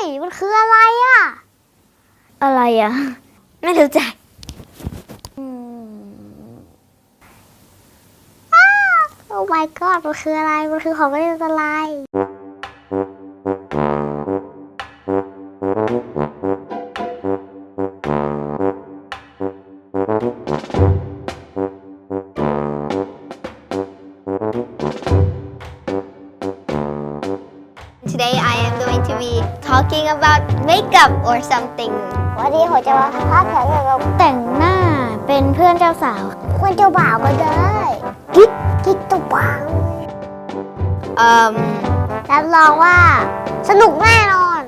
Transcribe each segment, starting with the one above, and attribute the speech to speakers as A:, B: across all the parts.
A: มันคืออะไรอะอะไรอะไม่รู้จักโอ้ my god มันคืออะไรมันคือของเล่นอะไร
B: Today I am going to be talking about makeup or something.
A: วันนี้ผมจะมาพาดแผนเกี่ยวกับแต่งหน้าเป็นเพื่อนเจ้าสาวเพื่อนเจ้าบ่าวก็ได้กิ๊กเจ้าบ่าวรับรองว่าสนุกแน่นอน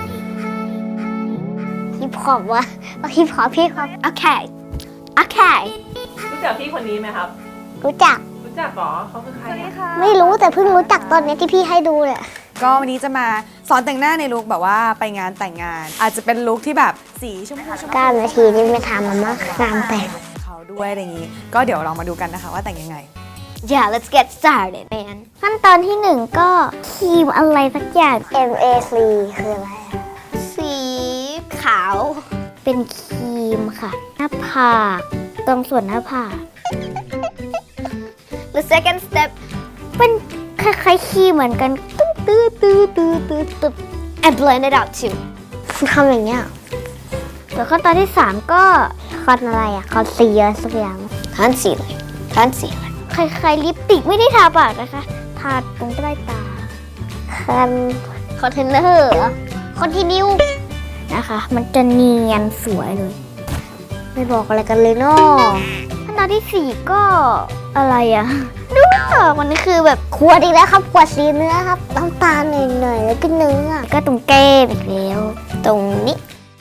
A: ฮิปฮอปวะฮิปฮอป
B: Okay. Okay.
C: รู้จักพี่คนนี้ไหมครับ
A: รู้จัก
C: รู้จักเหรอเขาคือใครเนี่ย
A: ไม่รู้แต่เพิ่งรู้จักตอนนี้ที่พี่ให้ดูเนี่ย
D: ก็วันนี้จะมาสอนแต่งหน้าในลุคแบบว่าไปงานแต่งงาน อาจจะเป็นลุคที่แบบสีชมพู
A: 9 นาทีนี่ไม่ทำมันมากงานแต่ง
D: เขาด้วยอะไรอย่างนี้ ก็เดี๋ยวเรามาดูกันนะคะว่าแต่งยังไง
B: Yeah, let's get started, man.
A: ขั้นตอนที่1ก็ครีมอะไรสักอย่าง MAC คืออะไร
B: สีขาว
A: เป็นครีมค่ะหน้าผากตรงส่วนหน้าผาก
B: The second step,
A: เป็นคล้ายๆครีมเหมือนกันตื้อ
B: and blend it out too.
A: ทำอย่างเงี้ยส่วนขั้นตอนที่3ก็คอนอะไรอะคอนซีลเลอร์สักอย่าง
B: Concealer.
A: คล้ายๆลิปสติกไม่ได้ทาปากนะคะทาตรงใต้ตาคอนเทนเนอร์คอนทินิวนะคะ มันจะเนียนสวยเลย ไม่บอกอะไรกันเลยเนาะขั้นตอนที่4ก็อะไรอะดูไม่ออกมันคือแบบขวดอีกแล้วครับขวดสีเนื้อครับน้ำตาลหน่อยๆแล้วก็เนื้อก็ตรงแก้มอีกแล้วตรงนี้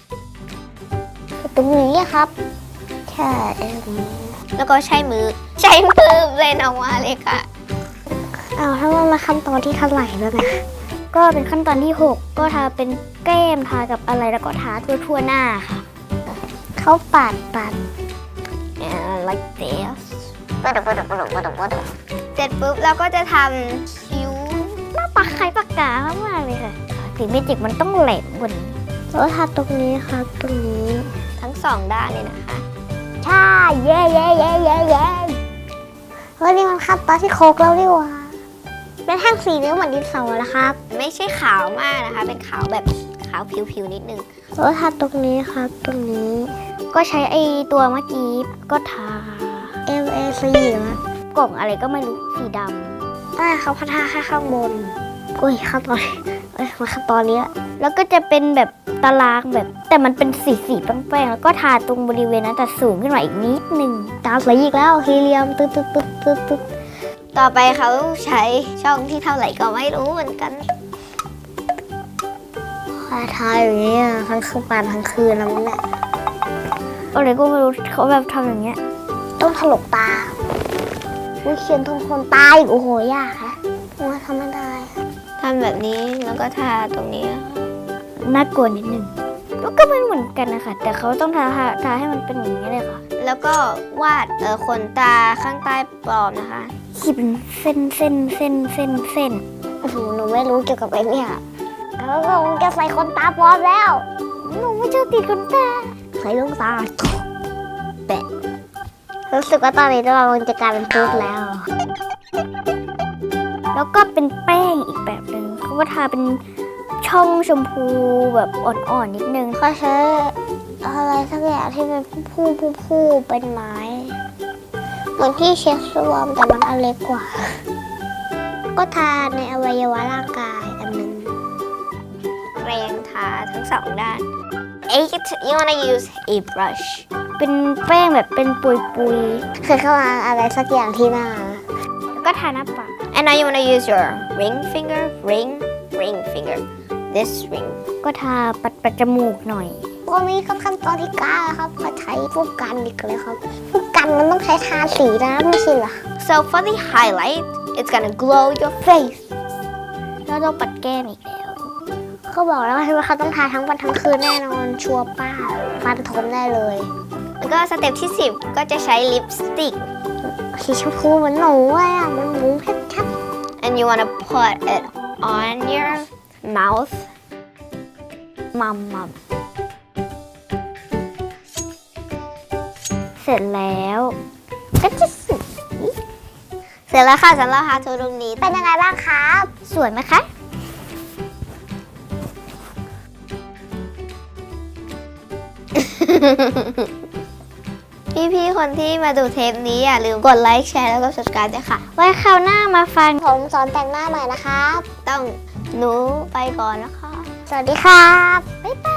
A: อะครับใช่
B: แล้วก็ใช้มือเบลนออกมาเลยค่ะ
A: ถ้ามันมาขั้นตอนที่เท่าไหร่แล้วนะก็เป็นขั้นตอนที่6ก็ทาเป็นแก้มทากับอะไรแล้วก็ทาทั่วหน้าค่ะเขาปัด
B: And like this. เสร็จปุ๊บเราก็จะทำคิ้ว
A: หน้าปากคล้ายปากกามากเลยค่ะสีเมจิกมันต้องแหลมกว่านี้แล้วทาตรงนี้ครับตรงนี้
B: ทั้งสองด้านเลยนะคะ
A: ใช่เย้เฮ้ยนี่มันขั้นตอนที่โคกแล้วนี่หว่าเป็นแท่งสีเนื้อเหมือนดินสอแล้วครับ
B: ไม่ใช่ขาวมากนะคะ เป็นขาวแบบขาวผิวๆนิดนึง
A: แล้วทาตรงนี้ครับตรงนี้ก็ใช้ไอตัวเมื่อกี้ก็ทา MAC นะกล่องอะไรก็ไม่รู้สีดำเขาพัฒนาแค่ข้างบนอุ้ยขั้นตอนมาขั้นตอนนี้แล้วก็จะเป็นแบบตารางแบบแต่มันเป็นสีแป้งๆแล้วก็ทาตรงบริเวณนั้นแต่สูงขึ้นมาอีกนิดนึงตาสวยอีกแล้วฮีเลียมตึ๊ด
B: ต่อไปเขาใช้ช่องที่เท่าไหร่ก็ไม่รู้เหมือนกัน
A: ทาอย่างนี้ทั้งคืนปานทั้งคืนแล้วแหละอะไรก็ไม่รู้เขาแบบทำอย่างเงี้ยต้องถลกตาเขียนตรงคนตาอีกโอ้โหยากค่ะว่าทำไม่ได้
B: ทำแบบนี้แล้วก็ทาตรงนี้
A: น่ากลัวนิดนึงแล้วก็ไม่เหมือนกันนะคะแต่เขาต้องทาให้มันเป็นอย่างนี้เลยค่ะ
B: แล้วก็วาดขนตาข้างใต้ปลอมนะคะ
A: ขีดเป็นเส้นโอ้โหหนูไม่รู้เกี่ยวกับไอ้เนี่ยแล้วก็คงจะใส่ขนตาปลอมแล้วหนูไม่ชอบติดขนตาใส่ลูกตาแปะรู้สึกว่าตอนนี้เราจะกลายเป็นตุ๊ดแล้ว แล้วก็เป็นแป้งอีกแบบหนึ่งเขาก็ทาเป็นช่องชมพูแบบอ่อนๆนิดนึงเขาใช้อะไรสักอย่างที่เป็นผู้เป็นไม้เหมือนที่เช็ดรวมแต่มันอันเล็กกว่าก็ทาในอวัยวะร่างกายอันนึง
B: แรงทาทั้งสองด้าน you wanna use a brush
A: เป็นแป้งแบบเป็นปุยเคยเข้ามาอะไรสักอย่างที่หน้าแล้วก็ทาหน้าปาก
B: and now you wanna use your ring finger this ring
A: ก็ทาปัดจมูกหน่อยตอนนี้ขั้นตอนที่9ครับเขาใช้พวกกันอีกเลยครับพวกกันมันต้องใช้ทาสีนะไม่ใช่เหรอ
B: so for the highlight it's gonna glow your face
A: แล้วต้องปัดแก้มอีกแล้วเขาบอกแล้วว่าเขาต้องทาทั้งวันทั้งคืนแน่นอนชัวร์ป้าฟันทนได้เลย
B: แล้วก็สเต็ปที่10ก็จะใช้ลิปสติก
A: สีชมพูเหมือนหนูเลยมันหมูเพชรชัด
B: and you wanna put it on your mouth
A: มัมมัมเสร็จแล้วก็จะสวย
B: เสร็จแล้วค่ะสำหรับ How to ตรงนี้เป็นยังไงบ้างครับ
A: สวยไหมคะ
B: พี่ๆคนที่มาดูเทปนี้อย่าลืมกดไลค์แชร์แล้วก็ subscribe ด้วยค่ะ
A: ไว้คราวหน้ามาฟัง
B: ผมสอนแต่งหน้าใหม่นะครับ ต้องหนูไปก่อนนะคะ
A: สวัสดีครับ
B: บ๊ายบาย